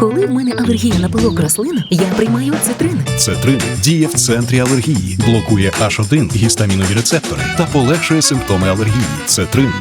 Коли в мене алергія на пилок рослин, я приймаю цитрин. Цетрин діє в центрі алергії, блокує H1 гістамінові рецептори та полегшує симптоми алергії. Цетрин.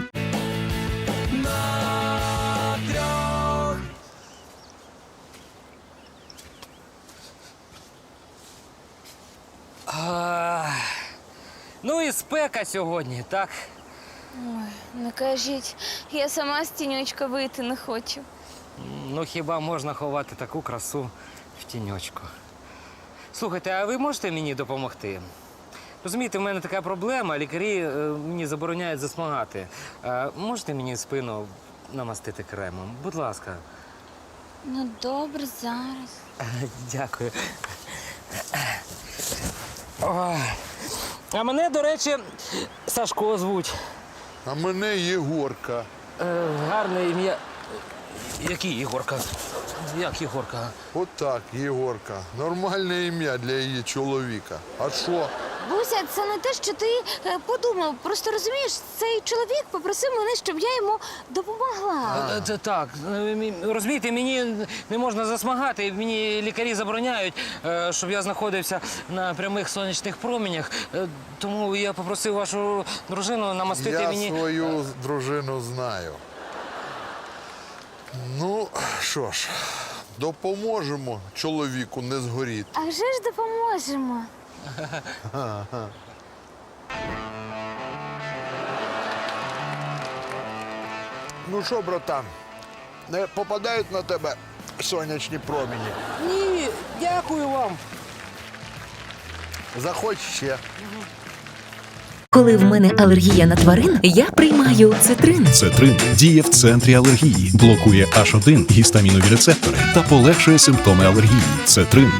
Ну і спека сьогодні, так? Не кажіть, я сама з тіньочка вийти не хочу. Ну хіба можна ховати таку красу в тіньочку? Слухайте, а ви можете мені допомогти? Розумієте, в мене така проблема, лікарі мені забороняють засмагати. Можете мені спину намастити кремом? Будь ласка. Ну, добре, зараз. Дякую. Ой. А мене, до речі, Сашко звуть. А мене Єгорка. Гарне ім'я. Який Єгорка? Як Єгорка? Отак, Єгорка. Нормальне ім'я для її чоловіка. А що? Буся, це не те, що ти подумав. Просто розумієш, цей чоловік попросив мене, щоб я йому допомогла. Це так. Розумієте, мені не можна засмагати. Мені лікарі забороняють, щоб я знаходився на прямих сонячних променях. Тому я попросив вашу дружину намастити мені. Я свою дружину знаю. Ну, що ж, допоможемо чоловіку не згоріти. А вже ж допоможемо. Ну що, братан, не попадають на тебе сонячні промені? Ні, дякую вам. Заходь ще. Коли в мене алергія на тварин, я приймаю цитрин. Цетрин діє в центрі алергії, блокує H1 гістамінові рецептори та полегшує симптоми алергії. Цетрин.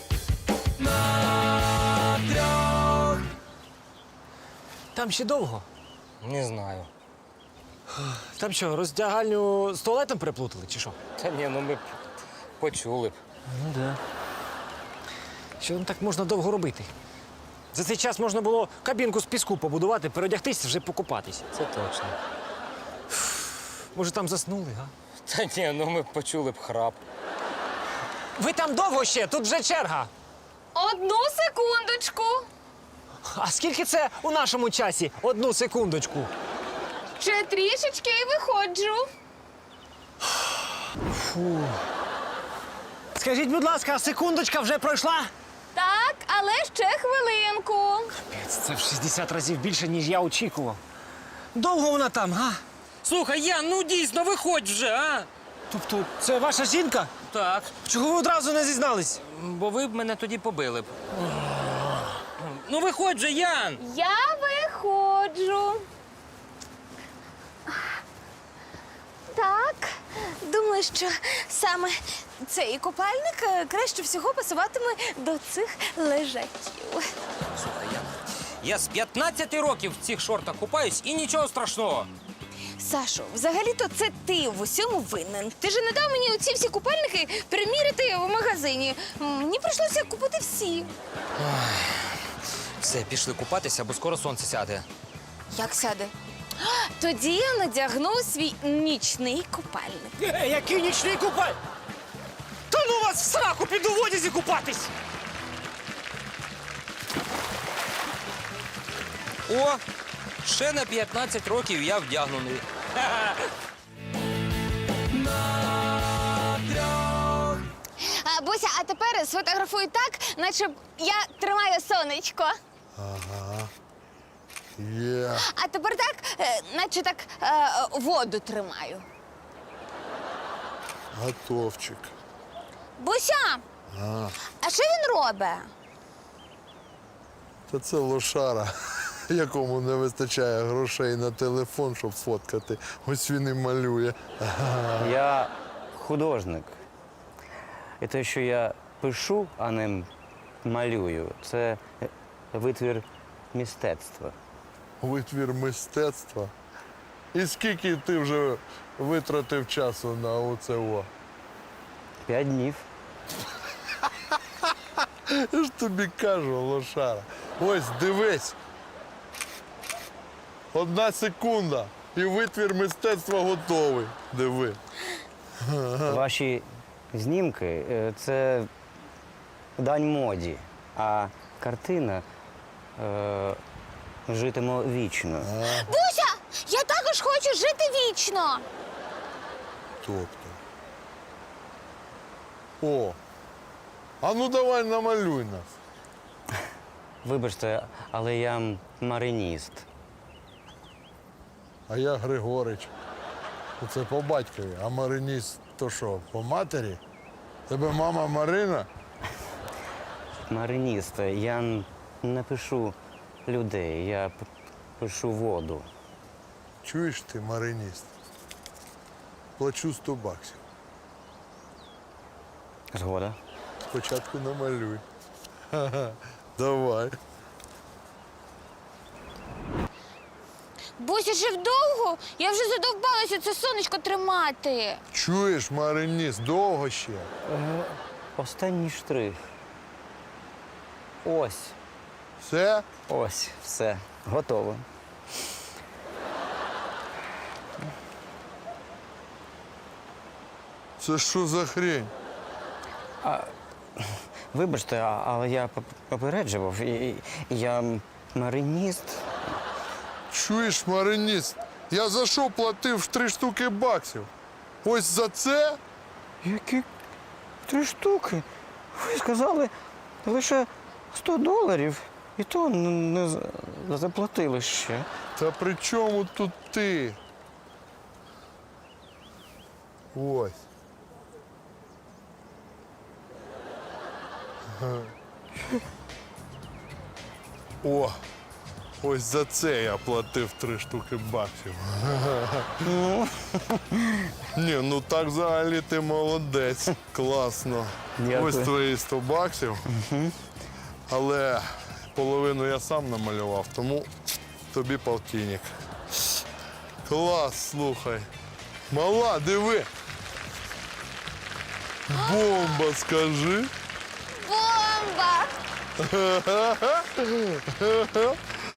Там ще довго. Не знаю. Там що, роздягальню з туалетом переплутали, чи що? Та ні, ну ми б почули б. Ну да. Що там так можна довго робити? За цей час можна було кабінку з піску побудувати, переодягтись, вже покупатись. Це точно. Може, там заснули, га? Та ні, ну ми б почули б храп. Ви там довго ще? Тут вже черга. Одну секундочку. А скільки це у нашому часі? Одну секундочку. Ще трішечки і виходжу. Скажіть, будь ласка, секундочка вже пройшла? Так, але ще хвилинку. Це в 60 разів більше, ніж я очікував. Довго вона там, га? Слухай, Ян, ну дійсно, виходь вже, а? Тобто, це ваша жінка? Так. Чого ви одразу не зізнались? Бо ви б мене тоді побили б. Ну виходь же, Ян! Я виходжу. Так, думаю, що саме цей купальник краще всього пасуватиме до цих лежаків. Слухай, Ян, я з 15 років в цих шортах купаюсь і нічого страшного. Сашо, взагалі-то це ти в усьому винен. Ти ж не дав мені оці всі купальники приміряти в магазині. Мені прийшлося купити всі. Все, пішли купатися, бо скоро сонце сяде. Як сяде? Тоді я надягну свій нічний купальник. Який нічний купаль? Та ну вас в сраку піду в одязі купатись! О, ще на 15 років я вдягнений. Буся, а тепер сфотографуй так, наче я тримаю сонечко. Є. А тепер так, наче так воду тримаю. Готовчик. Буся! А що він робить? Та це лошара, якому не вистачає грошей на телефон, щоб фоткати. Ось він і малює. Я художник. І те, що я пишу, а не малюю, це витвір мистецтва. Витвір мистецтва. І скільки ти вже витратив часу на оце о? 5 днів. Я ж тобі кажу, лошара. Ось, дивись. 1 секунда. І витвір мистецтва готовий. Диви. Ваші знімки це дань моді, а картина житиме вічно. Буся! Я також хочу жити вічно! Тобто. О, а ну давай намалюй нас. Вибачте, але я мариніст. А я Григорич. Це по батькові, а Мариніст то що, по матері? Тебе мама Марина? Мариніст, я не пишу людей, я пишу воду. Чуєш ти, Мариніст? Плачу 100 баксів. Згода. Спочатку намалюй. Ха-ха. Давай. Буся, жив довго? Я вже задовбалася це сонечко тримати. Чуєш, Мариніст, довго ще? Останній штрих. Ось, Все? ось, все, готово. Це що за хрень? Вибачте, але я попереджував. Я мариніст. Чуєш, Мариніст? Я за що платив 3 штуки баксів? Ось за це? Які 3 штуки? Ви сказали лише $100. І то не заплатили ще. Та при чому тут ти? Ось. О, ось за це я платив 3 штуки баксів. Ні, ну так взагалі ти молодець. Класно. Дякую. Ось твої 100 баксів. Але половину я сам намалював, тому тобі полтинник. Клас, слухай. Мала, диви. Бомба, скажи. Бомба!